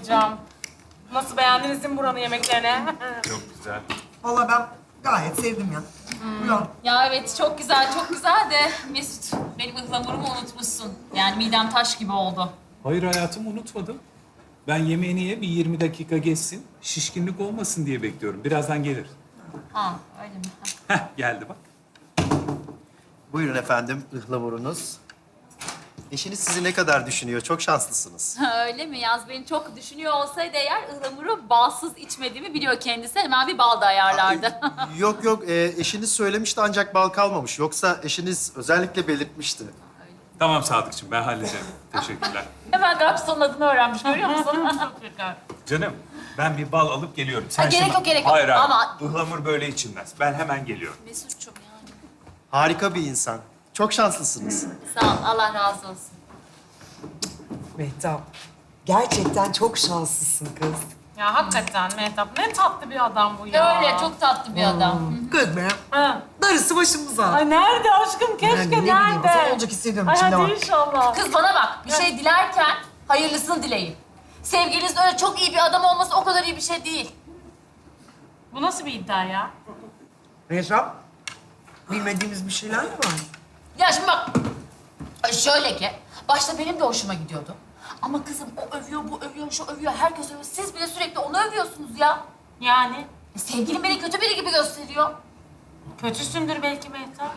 bayılacağım. Nasıl beğendiniz değil mi buranın yemeklerini? Çok güzel. Vallahi ben gayet sevdim ya. Buyurun. Ya evet çok güzel de Mesut benim ıhlamurumu unutmuşsun. Yani midem taş gibi oldu. Hayır hayatım, unutmadım. Ben yemeğini ye, bir 20 dakika geçsin. Şişkinlik olmasın diye bekliyorum. Birazdan gelir. Ha öyle mi? Heh, geldi bak. Buyurun efendim, ıhlamurunuz. Eşiniz sizi ne kadar düşünüyor? Çok şanslısınız. Ha, öyle mi? Yaz beni çok düşünüyor olsaydı eğer ıhlamuru balsız içmediğimi biliyor kendisi. Hemen bir bal da ayarlardı. Yok yok, eşiniz söylemişti ancak bal kalmamış. Yoksa eşiniz özellikle belirtmişti. Tamam Sadıkçım, ben halledeceğim. Teşekkürler. Hemen garsonun adını öğrenmiş görüyor musun? Canım, ben bir bal alıp geliyorum. Sen gerek şimdi- yok, gerek yok. Hayır, hayır. Ama- Ihlamur böyle içilmez. Ben hemen geliyorum. Mesut'cum yani. Harika bir insan. Çok şanslısınız. Sağ ol, Allah razı olsun. Mehtap, gerçekten çok şanslısın kız. Ya hakikaten Mehtap ne tatlı bir adam bu ya. Öyle, çok tatlı bir adam. Kız be. Ha. Darısı başımıza. Ay nerede aşkım? Keşke Yani ne bileyim, nerede? sen olacak hissediyorum Ay içimde hadi var. inşallah. Kız bana bak, bir şey dilerken hayırlısını dileyin. Sevgilinizin öyle çok iyi bir adam olması o kadar iyi bir şey değil. Bu nasıl bir iddia ya? Mehtap, bilmediğimiz bir şeyler mi var? Ya şimdi bak, şöyle ki, başta benim de hoşuma gidiyordu. Ama kızım o övüyor, bu övüyor, şu övüyor, herkes övüyor. Siz bile sürekli onu övüyorsunuz ya. Yani Sevgilim beni kötü biri gibi gösteriyor. kötüsündür belki Mehtap.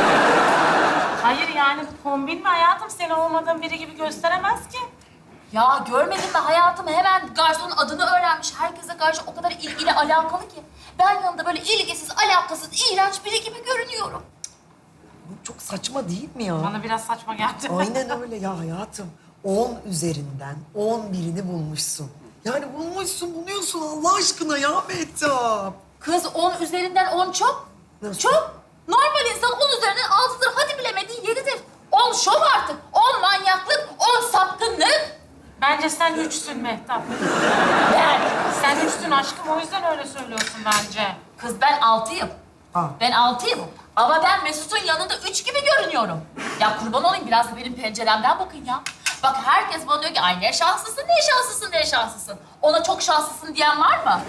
Hayır yani bu kombin mi hayatım? Seni olmadığın biri gibi gösteremez ki. Ya görmedin mi hayatım hemen garsonun adını öğrenmiş. Herkese karşı o kadar ilgili, alakalı ki. Ben yanında böyle ilgisiz, alakasız, iğrenç biri gibi görünüyorum. Bu çok saçma değil mi ya? Bana biraz saçma geldi. Aynen öyle ya hayatım. 10 üzerinden 11'ini bulmuşsun. Yani bulmuşsun, buluyorsun Allah aşkına ya Mehtap. Kız 10 üzerinden 10 çok. Nasıl? Çok. Normal insan 10 üzerinden 6'dır. Hadi bilemedin 7'dir. 10 şov artık. 10 manyaklık, 10 sapkınlık. Bence sen üçsün Mehtap. Ben. Sen üçsün aşkım o yüzden öyle söylüyorsun bence. Kız ben 6'yım. Ha. Ben 6'yım. Ama ben Mesut'un yanında 3 gibi görünüyorum. Ya kurban olayım biraz da benim penceremden bakın ya. Bak herkes bana diyor ki ay ne şanslısın, ne şanslısın, ne şanslısın. Ona çok şanslısın diyen var mı?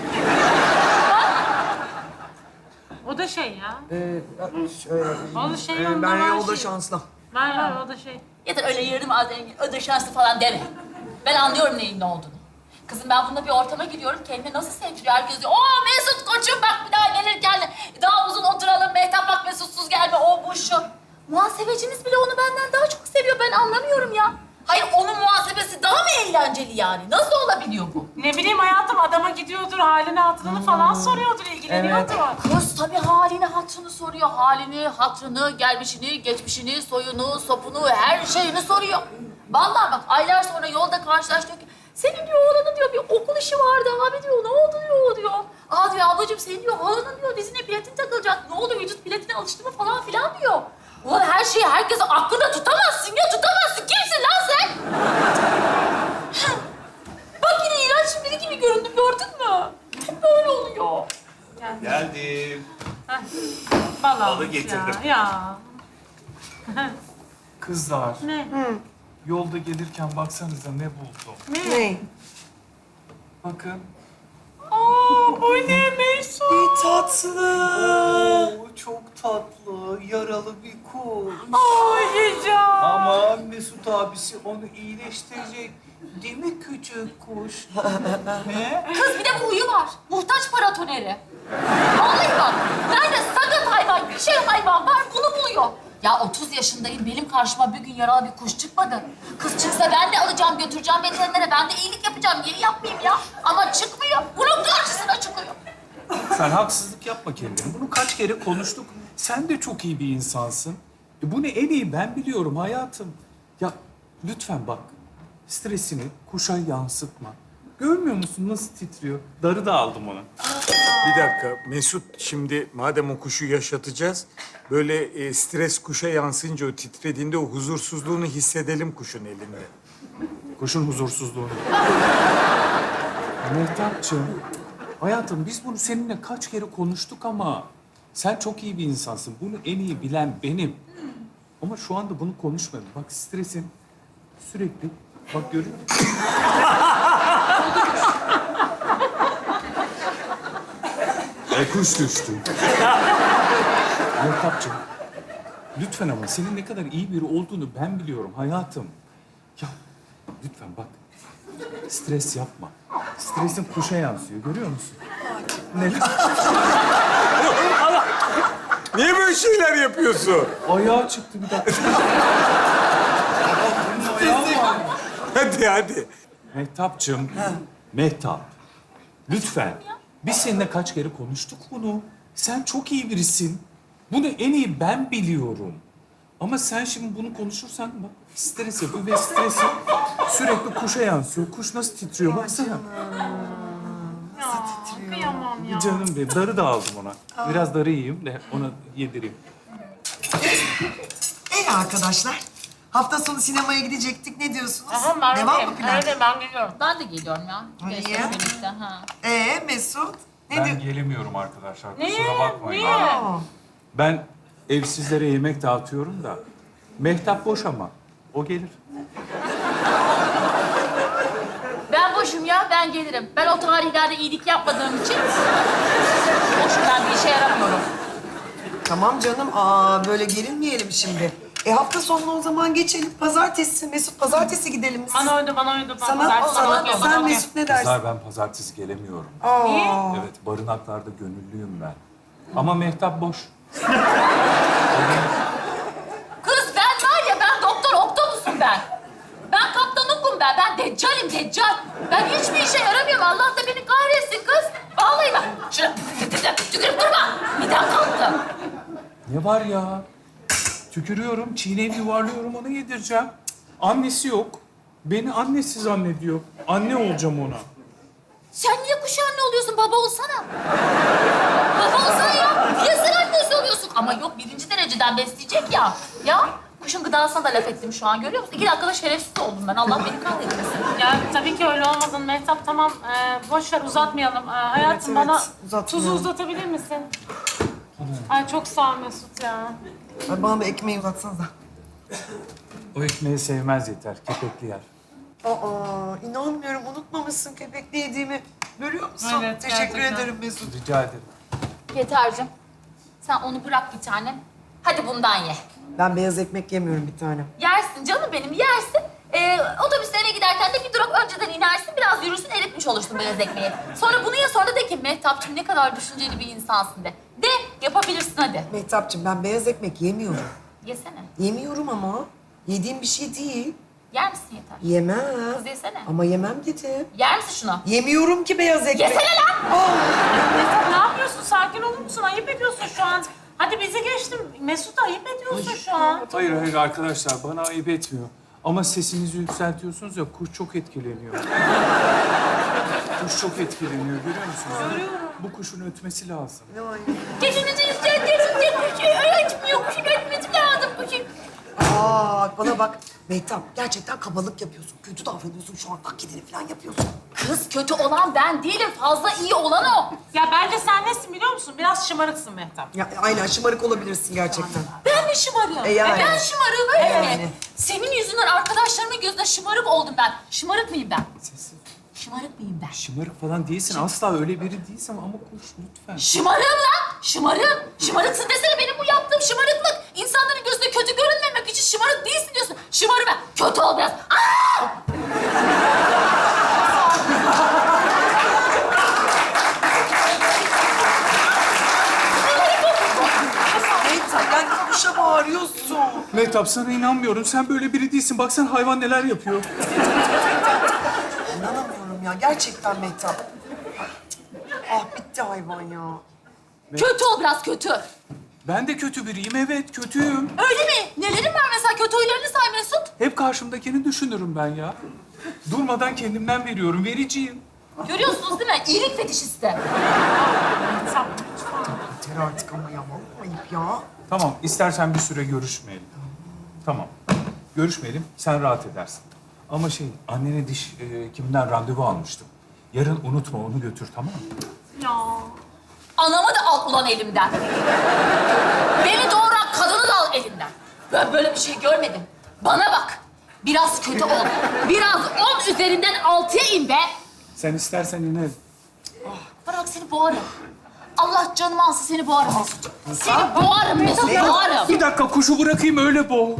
O da şey ya. Şöyle, O da şey ondan ben var o da şey. şanslı. Var o da şey. Ya da öyle yarım az zengin, ödül şanslı falan deme. Ben anlıyorum neyin ne olduğunu. Kızım ben bununla bir ortama giriyorum, kendimi nasıl sevdiriyor herkes diyor. Oo Mesut koçum bak bir daha gelirken daha uzun oturalım. Mehtap bak Mesutsuz gelme, o bu şu. Muhasebecimiz bile onu benden daha çok seviyor, ben anlamıyorum ya. Hayır onun muhasebesi daha mı eğlenceli yani? Nasıl olabiliyor bu? Ne bileyim hayatım adama gidiyordur, halini hatırını falan soruyordur, ilgileniyordur. Kız tabii halini, hatrını soruyor. Halini, hatrını, gelmişini, geçmişini, soyunu, sopunu, her şeyini soruyor. Vallahi bak aylar sonra yolda karşılaştık ki senin diyor oğlanın diyor bir okul işi vardı abi diyor. Ne oldu diyor o diyor. Aa diyor ablacığım senin diyor halanın diyor dizine platin takılacak. Ne oldu vücut platine alıştı mı falan filan diyor. Ulan her şeyi herkese aklında tutamazsın ya tutamazsın. Kimsin lan sen? Bak yine iğrenç biri gibi göründüm gördün mü? Hep böyle oluyor. Geldim. Balı getirdim. Ya. Kızlar, Ne? yolda gelirken baksanıza ne buldum. Ne? Bakın. Aa, o ne Mesut? Ne tatlı. Oo, çok tatlı, yaralı bir kuş. Ay Cican. Ama Mesut abisi onu iyileştirecek. Değil mi küçük kuş? Ne? Kız bir de bu huyu var. Muhtaç paratoneri. Vallahi bak. Nerede sakat hayvan, bir şey hayvan var bunu buluyor. Ya 30 yaşındayım benim karşıma bir gün yaralı bir kuş çıkmadı. Kız çıksa ben de alacağım götüreceğim veterinere. Ben de iyilik yapacağım. Niye yapmayayım ya? Ama çıkmıyor. Bunun karşısına çıkıyor. Sen haksızlık yapma kendine. Bunu kaç kere konuştuk. Sen de çok iyi bir insansın. Bunu en iyi ben biliyorum hayatım. Ya lütfen bak. Stresini kuşa yansıtma. Görmüyor musun nasıl titriyor? Darı da aldım ona. Bir dakika Mesut, şimdi madem o kuşu yaşatacağız, böyle stres kuşa yansıyınca o titrediğinde o huzursuzluğunu hissedelim kuşun elinde. Kuşun huzursuzluğunu. Mehtapçığım, hayatım biz bunu seninle kaç kere konuştuk ama sen çok iyi bir insansın. Bunu en iyi bilen benim. Ama şu anda bunu konuşmadım. Bak stresin sürekli, bak görüyor musun? Kuş düştü. Mehtapcığım, lütfen ama senin ne kadar iyi biri olduğunu ben biliyorum hayatım. Ya lütfen bak, stres yapma. Stresin kuşa yansıyor, görüyor musun? Neler? Niye böyle şeyler yapıyorsun? Ayağı çıktı bir dakika. Hadi hadi. Mehtapcığım, Mehtap. Lütfen. Biz seninle kaç kere konuştuk bunu. Sen çok iyi birisin. Bunu en iyi ben biliyorum. Ama sen şimdi bunu konuşursan bak stres yapıyor ve stresi sürekli kuşa yansıyor. Kuş nasıl titriyor baksana. Kıyamam ya. Canım benim. Darı da aldım ona. Biraz darı yiyeyim de ona yedireyim. Arkadaşlar, hafta sonu sinemaya gidecektik. Ne diyorsunuz? Tamam ben Devam öyleyim. mı plan? Öyle ben geliyorum. Ben de geliyorum ya. Niye? Gençlerle birlikte. Ha. Mesut? Ne Ben diyor? gelemiyorum arkadaşlar. Niye? Kusura bakmayın. Niye? Aa, Ben evsizlere yemek dağıtıyorum da. Mehtap boş ama. O gelir. Ben boşum ya, ben gelirim. Ben o tarihlerde iyilik yapmadığım için boşum, ben bir işe yaramıyorum. Tamam canım. Böyle gerilmeyelim şimdi. Hafta sonuna o zaman geçelim. Pazartesi. Mesut, pazartesi gidelim biz. Bana uydu, bana uydu. Sen Mesut ne dersin? Kızlar ben pazartesi gelemiyorum. Niye? Evet, barınaklarda gönüllüyüm ben. Ama Mehtap boş. Kız ben var ya, ben Doktor Octopus'um ben. Ben Kaptan Hook'um ben. Ben Deccal'im, Deccal. Ben hiçbir işe yaramıyorum. Allah da beni kahretsin kız. Vallahi bak. Şuna tükürüp durma. Midem kalktı. Ne var ya? Tükürüyorum, çiğneyip yuvarlıyorum, onu yedireceğim. Cık, annesi yok. Beni annesi zannediyor. Anne olacağım ona. Sen niye kuş anne oluyorsun? Baba olsana. Baba olsana ya. Niye sen annesi oluyorsun? Ama yok, birinci dereceden besleyecek ya. Ya kuşun gıdasına da laf ettim şu an, görüyor musun? 2 dakikada şerefsiz oldum ben. Allah beni kahretmesin. Ya tabii ki öyle olmadın Mehtap. Tamam, boş ver uzatmayalım. Hayatım Evet, bana uzatmayalım. tuzu uzatabilir misin? Ay çok sağ ol Mesut ya. Ay, bana bir ekmeği uzatsanıza. O ekmeği sevmez yeter, kepekli yer. İnanmıyorum. Unutmamışsın köpekli yediğimi. Görüyor musun? Evet, Teşekkür gerçekten. ederim Mesut. Rica ederim. Yeter'cim, sen onu bırak bir tane. Hadi bundan ye. Ben beyaz ekmek yemiyorum bir tane. Yersin canım benim, yersin. Otobüste eve giderken de bir durak önceden inersin, biraz yürürsün, eritmiş olursun beyaz ekmeği. Sonra bunu ye, sonra de ki Mehtapçığım ne kadar düşünceli bir insansın de. De, yapabilirsin hadi. Mehtapçığım ben beyaz ekmek yemiyorum. Yesene. Yemiyorum ama. Yediğim bir şey değil. Yer misin Yeter? Yemem. Kız yesene. Ama yemem dedi. Yer misin şunu? Yemiyorum ki beyaz ekmek. Yesene lan! Mesut ne yapıyorsun? Sakin olur musun? Ayıp ediyorsun şu an. Hadi bizi geçtim. Mesut ayıp ediyorsun şu an. Hayır hayır arkadaşlar, bana ayıp etmiyor. Ama sesinizi yükseltiyorsunuz ya, kuş çok etkileniyor. Kuş çok etkileniyor, görüyor musunuz? Bu kuşun ötmesi lazım. Geçinizi yükseltiyorsun, kuşu öğretmiyor, kuşun öğretmesi lazım kuşun. Bana bak. Mehtap gerçekten kabalık yapıyorsun. Kötü davranıyorsun şu an. Taklidini falan yapıyorsun. Kız kötü olan ben değilim, fazla iyi olan o. Ya bence sen nesin biliyor musun? Biraz şımarıksın Mehtap. Ya aynen şımarık olabilirsin gerçekten. Ben mi şımarığım? Yani. Ben şımarığım öyle Yani. mi? Senin yüzünden arkadaşlarımın gözünde şımarık oldum ben. Şımarık mıyım ben? Sessiz. Şımarık mıyım ben? Şımarık falan değilsin. Asla öyle biri değilsin ama kuş lütfen. Şımarığım lan! Şımarığım! Şımarıksın desene, benim bu yaptığım şımarıklık. İnsanların gözünde kötü görünmemek için şımarık değilsin diyorsun. Şımarı ben. Kötü ol biraz. Aa! Mehtap yani kuşa bağırıyorsun. Mehtap sana inanmıyorum. Sen böyle biri değilsin. Bak sen hayvan neler yapıyor. İnanamıyorum ya. Gerçekten Mehtap. Bitti hayvan ya. Kötü ol biraz, kötü. Ben de kötü biriyim. Evet kötüyüm. Öyle mi? Nelerin var mesela? Kötü huylarını say Mesut. Hep karşımdakini düşünürüm ben ya. Durmadan kendimden veriyorum. Vericiyim. Görüyorsunuz değil mi? İyilik fetişisti. Yeter artık ama ya. Vallahi ayıp ya. Tamam, istersen bir süre görüşmeyelim. Tamam, görüşmeyelim, sen rahat edersin. Ama annene diş hekiminden randevu almıştım. Yarın unutma, onu götür, tamam mı? Ya. Anamı da al ulan elimden. Beni doğuran kadını da al elimden. Ben böyle bir şey görmedim. Bana bak. Biraz kötü ol. Biraz 10 üzerinden 6'ya in be. Sen istersen inerim. Bırak seni boğarım. Allah canımı alsın seni boğarım Mesut. Seni boğarım Mesut, boğarım. Bir dakika kuşu bırakayım öyle boğ.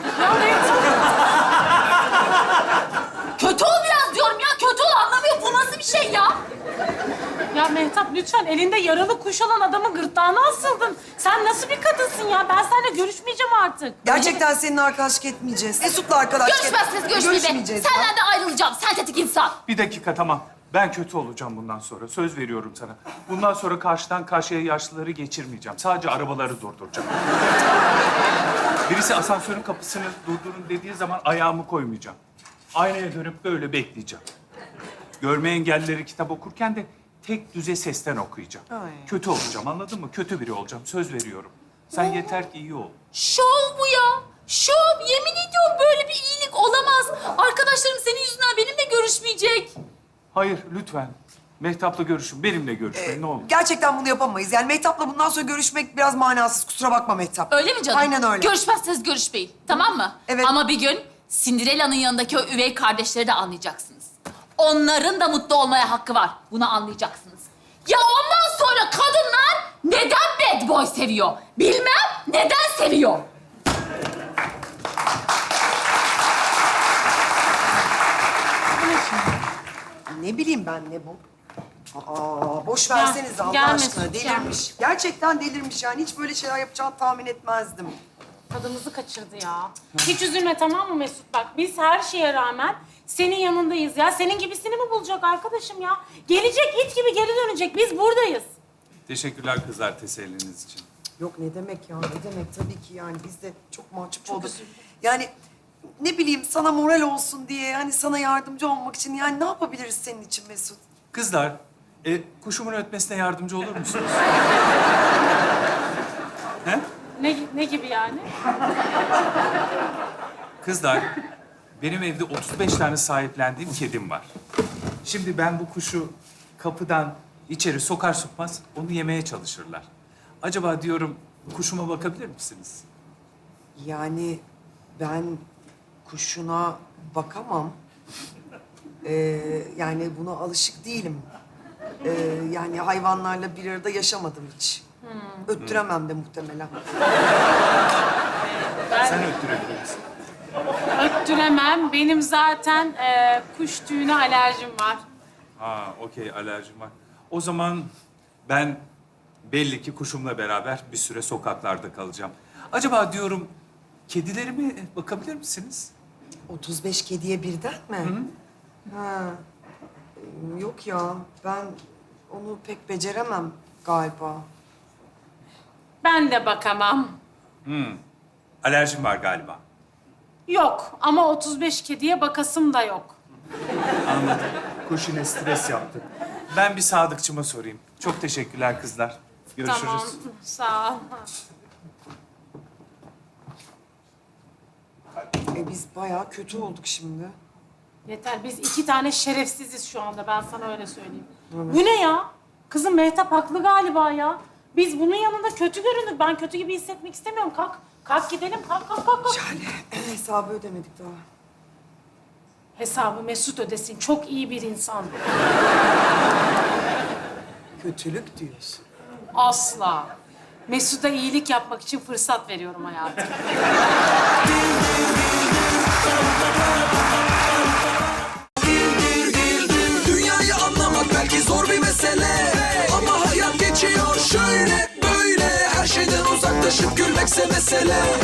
Kötü ol biraz diyorum ya, kötü ol anlamıyor. Bu nasıl bir şey ya? Ya Mehtap lütfen elinde yaralı kuş olan adamın gırtlağına asıldın. Sen nasıl bir kadınsın ya? Ben seninle görüşmeyeceğim artık. Gerçekten seninle arkadaşlık etmeyeceğiz. Mesut'la arkadaşlık Görüşmezsiniz, görüşmeyi be. görüşmeyeceğiz ya. Senden de ayrılacağım, sentetik insan. Bir dakika tamam. Ben kötü olacağım bundan sonra. Söz veriyorum sana. Bundan sonra karşıdan karşıya yaşlıları geçirmeyeceğim. Sadece arabaları durduracağım. Birisi asansörün kapısını durdurun dediği zaman ayağımı koymayacağım. Aynaya dönüp böyle bekleyeceğim. Görme engellileri kitap okurken de tek düze sesten okuyacağım. Ay. Kötü olacağım anladın mı? Kötü biri olacağım. Söz veriyorum. Sen yeter ki iyi ol. Şov bu ya. Şov. Yemin ediyorum böyle bir iyilik olamaz. Arkadaşlarım senin yüzünden benimle görüşmeyecek. Hayır lütfen. Mehtap'la görüşün. Benimle görüşmeyin ne olur. Gerçekten bunu yapamayız. Yani Mehtap'la bundan sonra görüşmek biraz manasız. Kusura bakma Mehtap. Öyle mi canım? Aynen öyle. Görüşmezseniz görüşmeyin. Tamam mı? Evet. Ama bir gün Cinderella'nın yanındaki o üvey kardeşleri de anlayacaksınız. Onların da mutlu olmaya hakkı var. Bunu anlayacaksınız. Ya ondan sonra kadınlar neden bad boy seviyor? Bilmem neden seviyor. Ne bileyim ben ne bu? Aa, boş verseniz Allah gel aşkına. Mesut, Delirmiş. Gerçekten delirmiş yani. Hiç böyle şeyler yapacağını tahmin etmezdim. Tadımızı kaçırdı ya. Hiç üzülme tamam mı Mesut? Bak biz her şeye rağmen senin yanındayız ya. Senin gibisini mi bulacak arkadaşım ya? Gelecek it gibi geri dönecek. Biz buradayız. Teşekkürler kızlar teselliniz için. Yok ne demek ya, ne demek tabii ki yani biz de çok mahcup olduk. Yani ne bileyim sana moral olsun diye, hani sana yardımcı olmak için yani ne yapabiliriz senin için Mesut? Kızlar, kuşumun ötmesine yardımcı olur musunuz? He? Ne gibi yani? Kızlar, benim evde 35 tane sahiplendiğim kedim var. Şimdi ben bu kuşu kapıdan içeri sokar sokmaz onu yemeye çalışırlar. Acaba diyorum kuşuma bakabilir misiniz? Yani ben kuşuna bakamam. Yani buna alışık değilim. Yani hayvanlarla bir arada yaşamadım hiç. Öttüremem de muhtemelen. Sen öttürebilir misin? Öttüremem. Benim zaten kuş tüyüne alerjim var. Ha, okey alerjim var. O zaman ben belli ki kuşumla beraber bir süre sokaklarda kalacağım. Acaba diyorum kedilerime bakabilir misiniz? 35 kediye birden mi? Ha. Yok ya, ben onu pek beceremem galiba. Ben de bakamam. Alerjim var galiba. Yok ama 35 kediye bakasım da yok. Anladım. Kuş yine stres yaptı. Ben bir sadıkçıma sorayım. Çok teşekkürler kızlar. Görüşürüz. Tamam, sağ ol. Biz bayağı kötü olduk şimdi. Yeter, biz 2 tane şerefsiziz şu anda. Ben sana öyle söyleyeyim. Bu ne ya? Kızım Mehtap haklı galiba ya. Biz bunun yanında kötü göründük. Ben kötü gibi hissetmek istemiyorum. Kalk, kalk gidelim. Kalk, kalk, kalk. kalk. Yani hesabı ödemedik daha. Hesabı Mesut ödesin. Çok iyi bir insan. Kötülük diyorsun. Asla. Mesut'a iyilik yapmak için fırsat veriyorum hayatım. Dünyayı anlamak belki zor bir mesele, ama hayat geçiyor şöyle böyle. Her şeyden uzaklaşıp gülmekse mesele.